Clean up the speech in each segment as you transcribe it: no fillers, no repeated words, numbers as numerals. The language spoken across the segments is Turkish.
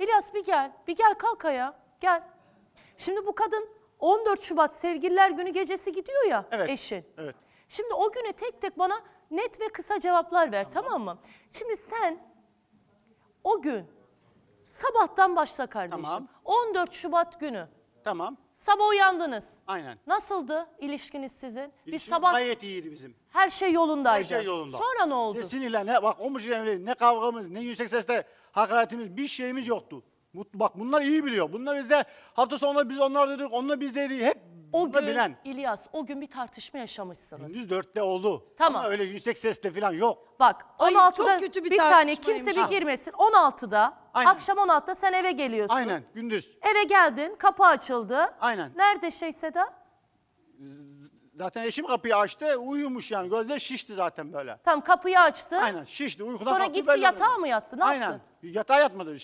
İlyas bir gel. Bir gel kalk ayağa. Gel. Şimdi bu kadın 14 Şubat Sevgililer Günü gecesi gidiyor ya eşin. Evet. Şimdi o güne tek tek bana net ve kısa cevaplar ver, tamam mı? Şimdi sen o gün sabahtan başla kardeşim. Tamam. 14 Şubat günü. Tamam. Sabah uyandınız. Aynen. Nasıldı ilişkiniz sizin? İlişkimiz gayet iyiydi bizim. Her şey yolundaydı. Her şey yolunda. Sonra ne oldu? Ne sinirler, ne bak ne kavgamız, ne yüksek sesle hakaretimiz, bir şeyimiz yoktu. Bak bunlar iyi biliyor. Bunlar bize hafta sonu biz onlar dedik, onlar biz dedik. Hep O bunlar gün bilen. İlyas, o gün bir tartışma yaşamışsınız. Gündüz 4'te oldu. Tamam. Ama öyle yüksek sesle falan yok. Bak Hayır, 16'da çok kötü bir saniye tartışmaymış. kimse bir girmesin. 16'da Aynen. akşam 16'da sen eve geliyorsun. Aynen gündüz. Eve geldin, kapı açıldı. Aynen. Nerede Seda? Zaten eşim kapıyı açtı, uyumuş yani. Gözler şişti zaten böyle. Tam kapıyı açtı. Aynen şişti, uykudan Sonra kalktı. gitti belli yatağa oldu. mı yattı? Ne Aynen. yaptı? Yatağa yatmadı.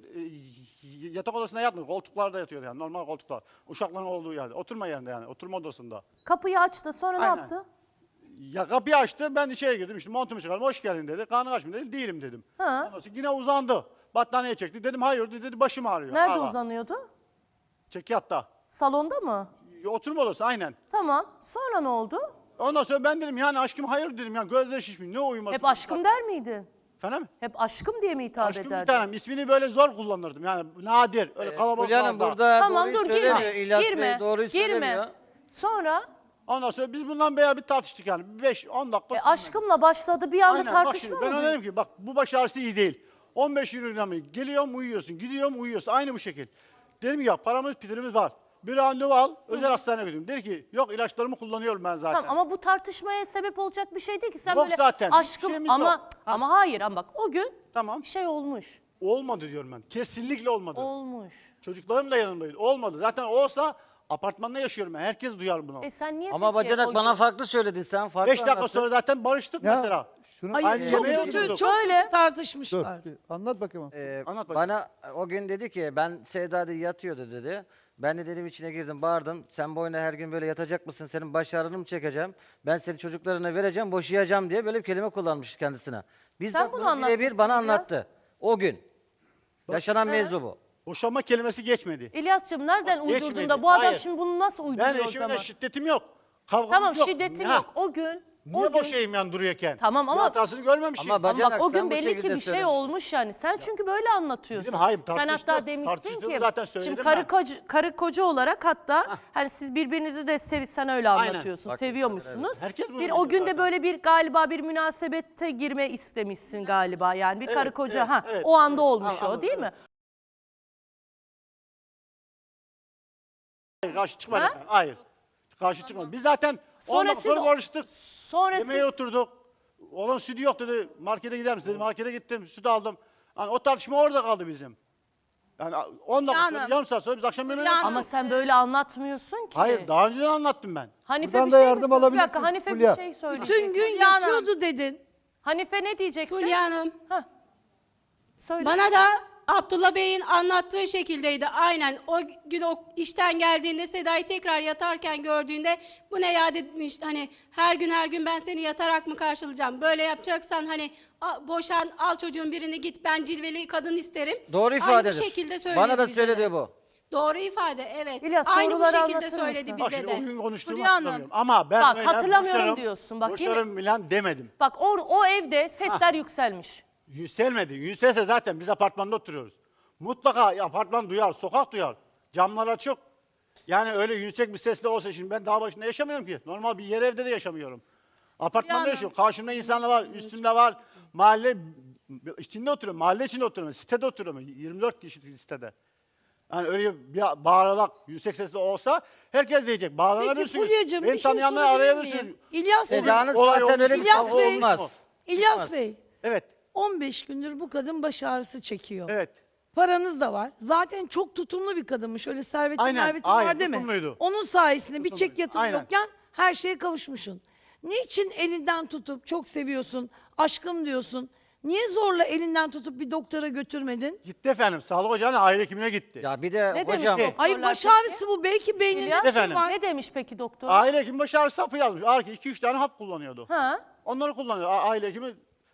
Yatak odasına yatmadı. Koltuklarda yatıyordu yani. Normal koltuklar. Uşakların olduğu yerde. Oturma yerinde yani. Oturma odasında. Kapıyı açtı. Sonra ne Aynen. yaptı? Ya kapıyı açtı. Ben içeri girdim. İşte montumu çıkardım. Hoş geldin dedi. Karnın aç mı dedi. Değilim dedim. Ha. Ondan sonra yine uzandı. Battaniye çekti. Dedim hayır dedi. Başım ağrıyor. Nerede Hala. uzanıyordu? Çekyatta. Salonda mı? Oturma odası aynen. Tamam. Sonra ne oldu? Ondan sonra ben dedim yani aşkım hayır dedim. Yani gözleri şişmiş. Ne uyuması? Hep aşkım der miydin? Efendim? Hep aşkım diye mi hitap Aşkım bir ederdin? tanem. İsmini böyle zor kullanırdım. Yani nadir. Öyle kalabalık. Fulya Hanım burada Tamam doğruyu dur söylemiyor. girme. İlyas Girme. Bey doğruyu söylemiyor. Girme. Sonra Ondan sonra biz bundan bayağı bir tartıştık yani. 5-10 dakika sonra. aşkımla başladı bir anda Aynen, bak tartışma şimdi, mı? ben ona büyüdü? dedim ki bak bu baş ağrısı iyi değil. 15 euro mı? Geliyorum uyuyorsun, gidiyorum uyuyorsun. Aynı bu şekil. Dedim ya paramız pitirimiz var. Bir randevu al, özel hastaneye götürün. Dedi ki yok ilaçlarımı kullanıyorum ben zaten. Tamam ama bu tartışmaya sebep olacak bir şey değil ki. Sen Yok böyle zaten, bir aşkım şeyimiz ama yok. Ha. ama hayır ama bak o gün Tamam. bir şey olmuş. Olmadı diyorum ben. Kesinlikle olmadı. Olmuş. Çocuklarım da yanımdaydı. Olmadı. Zaten olsa apartmanda yaşıyorum ben. Herkes duyar bunu. Sen niye Ama peki bacanak o bana gün- farklı söyledin sen. Farklı 5 dakika anlattın. sonra zaten barıştık Ya, mesela. şunu Hayır Aynı çok yemeğe kötü, oturduk. çok Öyle. kötü tartışmışlar. anlat bakayım. Anlat bakayım. Bana o gün dedi ki ben Seda dedi yatıyordu dedi. Ben de dedim içine girdim bağırdım. Sen boyuna her gün böyle yatacak mısın? Senin baş ağrını mı çekeceğim? Ben seni çocuklarına vereceğim, boşayacağım diye böyle bir kelime kullanmış kendisine. Sen bunu anlatmışsın birebir bana biraz. anlattı. O gün. Yaşanan mevzu bu. Boşanma kelimesi geçmedi. İlyas'cığım nereden uydurdun Geçmedi. da bu adam Hayır. şimdi bunu nasıl uyduruyor Ben o eşimle zaman? şiddetim yok. Kavgamız Tamam yok. şiddetin Ha, yok. O gün Niye boşayayım yani duruyorken? Tamam ama- Bir hatasını görmemişim. Ama ama bak o sen gün bu belli ki şekilde bir şey söylemişsin. olmuş yani. Sen çünkü böyle anlatıyorsun. Dedim, hayır, Sen hatta tartıştık. demişsin Tartıştığımı ki zaten söyledim şimdi ben. karı koca olarak hatta hani siz birbirinizi de sen öyle Aynen. anlatıyorsun. Bak, Seviyormuşsunuz. Herkes bunu Bir biliyor o gün de zaten. böyle bir galiba bir münasebete girme istemişsin galiba. Yani bir karı Evet, koca evet, ha evet, o anda evet. olmuş o Anladım, değil evet. mi? Hayır, karşı çıkmadı. Ha? efendim, Hayır. Karşı çıkmadı. Biz zaten Sonra 10 dakika siz- sonra barıştık. Sonra Yemeğe siz oturduk. Onun sütü yok dedi. Markete gider misin dedi. Markete gittim. Süt aldım. Yani o tartışma orada kaldı bizim. Yani 10 dakika sonra, Hanım. yarım saat sonra biz akşam yemeğine Fulya oturduk. ama sen böyle anlatmıyorsun ki. Hayır, daha önceden anlattım ben. Hanife Buradan bir da şey yardım mi? Bir alabilirsin, dakika Hanife Fulya. bir şey söyleyecek. Bütün gün Fulya Hanım. yatıyordu dedin. Hanife ne diyeceksin? Fulya Hanım, Hah. Söyle. bana da Abdullah Bey'in anlattığı şekildeydi. Aynen o gün o işten geldiğinde Seda'yı tekrar yatarken gördüğünde bu ne ya demiş, hani her gün ben seni yatarak mı karşılayacağım? Böyle yapacaksan hani boşan, al çocuğun birini git, ben cilveli kadın isterim. Doğru Aynı ifadedir. bu şekilde söyledi Bana da bize söyledi de. bu. Doğru ifade, evet. İlyas, Aynı bu doğruları şekilde anlatır söyledi mısın? Bak bize şimdi o de. gün konuştuğumu Fulya Hanım. hatırlamıyorum. Ama ben Bak, öyle hatırlamıyorum boşarım, diyorsun. Bak, yine- boşarım bilen demedim. Bak o evde sesler yükselmiş. Yükselmedi. Yükselse zaten biz apartmanda oturuyoruz. Mutlaka apartman duyar, sokak duyar. Camlar açık. Yani öyle yüksek bir sesle olsa şimdi ben dağ başında yaşamıyorum ki. Normal bir yer evde de yaşamıyorum. Apartmanda Yani- yaşıyorum. Karşımda insanlar var, üstümde var. Mahalle içinde oturuyorum. Mahalle içinde oturuyorum. Sitede oturuyorum. 24 kişi sitede. Yani öyle bir bağırarak yüksek sesle olsa herkes diyecek. Peki Bağlanabilirsin. Fulya'cığım Beni bir şey tanıyanlar sorabilir arayabilirsiniz. miyim? İlyas Bey, Seda'nın Olay zaten öyle bir olmuş. İlyas kavga Bey- olmaz. İlyas Bey, Evet, 15 gündür bu kadın baş ağrısı çekiyor. evet. Paranız da var. Zaten çok tutumlu bir kadınmış. Öyle servetin Aynen, mervetin aynen, var değil mi? tutumluydu. Onun sayesinde bir çek yatırım Aynen. yokken her şeye kavuşmuşsun. Niçin elinden tutup çok seviyorsun, aşkım diyorsun? Niye zorla elinden tutup bir doktora götürmedin? Gitti efendim. Sağlık ocağına aile hekimine gitti. Ya bir de Ne hocam demiş o? Hayır Doktorlar baş peki? ağrısı bu. Belki beyninde İlyas, bir şey Efendim? var. ne demiş peki doktor? Aile hekimi baş ağrısı hapı yazmış. 2-3 tane hap kullanıyordu. Ha? Onları kullanıyor. Aile hekimi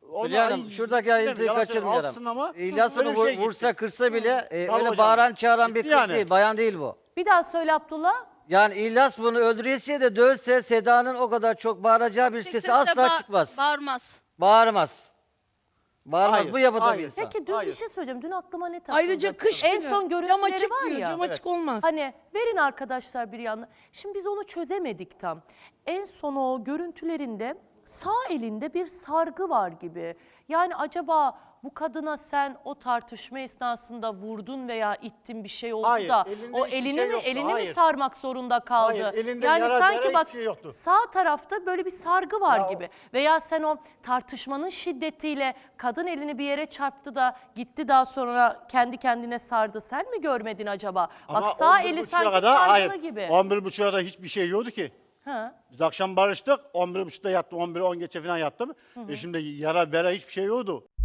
Hülya Hanım şuradaki ayrıntıyı kaçırmayalım. İlyas onu vursa kırsa bile öyle bağıran çağıran bir kız değil. Bayan değil bu. Bir daha söyle Abdullah. Yani İlyas bunu öldüresiye de dövse Seda'nın o kadar çok bağıracağı bir sesi asla çıkmaz. Bağırmaz. Bağırmaz. Bağırmaz. Hayır, Bu yapıda bir hayır. insan. Peki dün Hayır. bir şey söyleyeceğim. Dün aklıma ne takıldı? Ayrıca kış En günü. son Cam görüntüleri açık var diyor. ya. Cam açık olmaz. Hani verin arkadaşlar bir yandan. Şimdi biz onu çözemedik tam. En son o görüntülerinde sağ elinde bir sargı var gibi. Yani acaba bu kadına sen o tartışma esnasında vurdun veya ittin bir şey oldu Hayır, da elinde o hiçbir elini şey mi yoktu, elini mi hayır. sarmak zorunda kaldı? Hayır, elinde yani yara, sanki bere bak hiçbir şey yoktu. sağ tarafta böyle bir sargı var Ya o- gibi. Veya sen o tartışmanın şiddetiyle kadın elini bir yere çarptı da gitti daha sonra kendi kendine sardı. Sen mi görmedin acaba? Ama Bak sağ 11.30'a eli sanki kadar, sargılı hayır, gibi. 11.30'a da hiçbir şey yoktu ki. Ha. Biz akşam barıştık. 11.30'da yattım. 11'e 10 geçe falan yattım. Şimdi yara bere hiçbir şey yoktu.